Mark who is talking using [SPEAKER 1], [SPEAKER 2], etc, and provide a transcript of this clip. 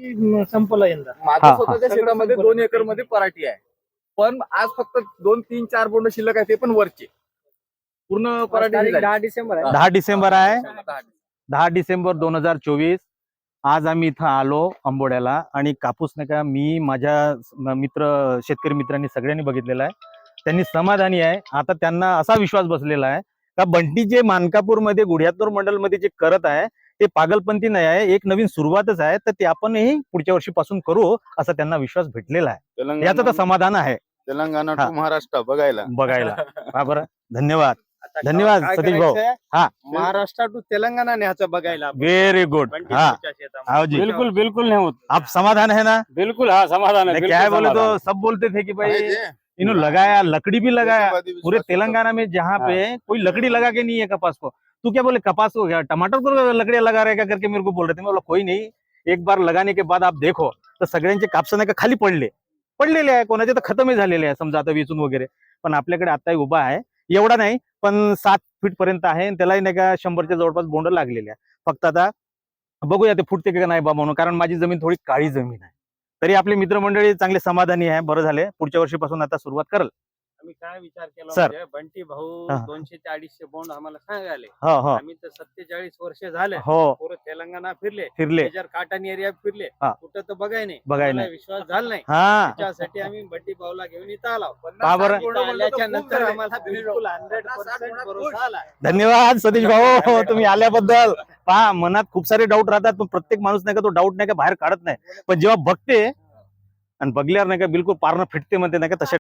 [SPEAKER 1] की संपला यंदा?
[SPEAKER 2] माझ्या स्वतःच्या शेतामध्ये 2 एकर मध्ये पराठी आहे, पण आज फक्त 2, 3, 4 बोंड शिल्लक आहे, ते पण वरचे. पूर्ण पराठी
[SPEAKER 1] 10 डिसेंबर आहे.
[SPEAKER 3] 10 डिसेंबर आहे,
[SPEAKER 2] 10.
[SPEAKER 3] 10 डिसेंबर 2024. आज आम्ही इथं आलो आंबोड्याला आणि कापूस नाही का मी माझ्या मित्र शेतकरी मित्रांनी सगळ्यांनी बघितलेला आहे. त्यांनी समाधानी आहे. आता त्यांना असा विश्वास बसलेला आहे का बंटी जे मानकापूरमध्ये गुढ्यातूर मंडलमध्ये जे करत आहे ते पागलपंथी नाही आहे, एक नवीन सुरुवातच आहे, तर ते आपणही पुढच्या वर्षीपासून करू असा त्यांना विश्वास भेटलेला आहे. याचं तर समाधान आहे.
[SPEAKER 2] तेलंगणा टू महाराष्ट्र बघायला
[SPEAKER 3] बरं धन्यवाद धन्यवाद सतीश भाऊ. हाँ
[SPEAKER 1] महाराष्ट्र टू तेलंगाना न्यायचं बघायला.
[SPEAKER 3] Very good. हाँ हाँ जी
[SPEAKER 4] बिल्कुल बिल्कुल नहीं होता,
[SPEAKER 3] आप समाधान है ना?
[SPEAKER 4] बिल्कुल हाँ समाधान है।
[SPEAKER 3] नहीं, क्या है बोले तो सब बोलते थे कि भाई इन्होंने लगाया, लकड़ी भी लगाया पूरे तेलंगाना में जहाँ पे कोई लकड़ी लगा के नहीं है कपास को। तू क्या बोले कपास को क्या टमाटर को लकड़ियां लगा रहे क्या करके मेरे को बोल रहे थे. मैं बोला कोई नहीं, एक बार लगाने के बाद आप देखो तर सगळ्यांचे कापसा नाही का खाली पडलेले आहे, कोणाचे तर खतमही झालेले आहे समजा आता वेचून वगैरे. पण आपल्याकडे आताही उभा आहे, एवढा नाही पण 7 फीट पर्यंत आहे, त्यालाही नाही का 100च्या जवळपास बोंड लागलेले आहे. फक्त आता बघूया ते फुटते का नाही बा म्हणून, कारण माझी जमीन थोडी काळी जमीन आहे. तरी आपली मित्रमंडळी चांगले समाधानी आहे. बरं झाले, पुढच्या वर्षीपासून आता सुरुवात करल.
[SPEAKER 1] आम्ही काय विचार केला
[SPEAKER 3] सर.
[SPEAKER 1] म्हणजे बंटी भाऊ
[SPEAKER 3] हा.
[SPEAKER 1] 200 ते 250 बोंड आम्हाला सांगाले.
[SPEAKER 3] हो हो
[SPEAKER 1] आम्ही तर 47 वर्ष झाले
[SPEAKER 3] हो
[SPEAKER 1] पुरं तेलंगणा फिरले,
[SPEAKER 3] फिरले
[SPEAKER 1] मेजर काटन एरिया फिरले,
[SPEAKER 3] हा.
[SPEAKER 1] कुठं तर बघाय नाही,
[SPEAKER 3] बघाय
[SPEAKER 1] आम्हाला
[SPEAKER 3] नाही.
[SPEAKER 1] विश्वास झाला नाही.
[SPEAKER 3] हा
[SPEAKER 1] त्यासाठी आम्ही बंटी भाऊला घेऊन इथं आलो.
[SPEAKER 3] का बरं?
[SPEAKER 1] इथं आल्याच्या नंतर आम्हाला बिलकुल 100% भरोसा आला.
[SPEAKER 3] धन्यवाद सतीश भाऊ तुम्ही आल्याबद्दल. पहा मनात खूप सारे डाऊट राहतात, पण प्रत्येक माणूस नाही का तो डाऊट नाही का बाहेर काढत नाही, पण जेव्हा बघते आणि बघल्यावर नाही का बिलकुल पारणं फिटते म्हणते नाही का तशा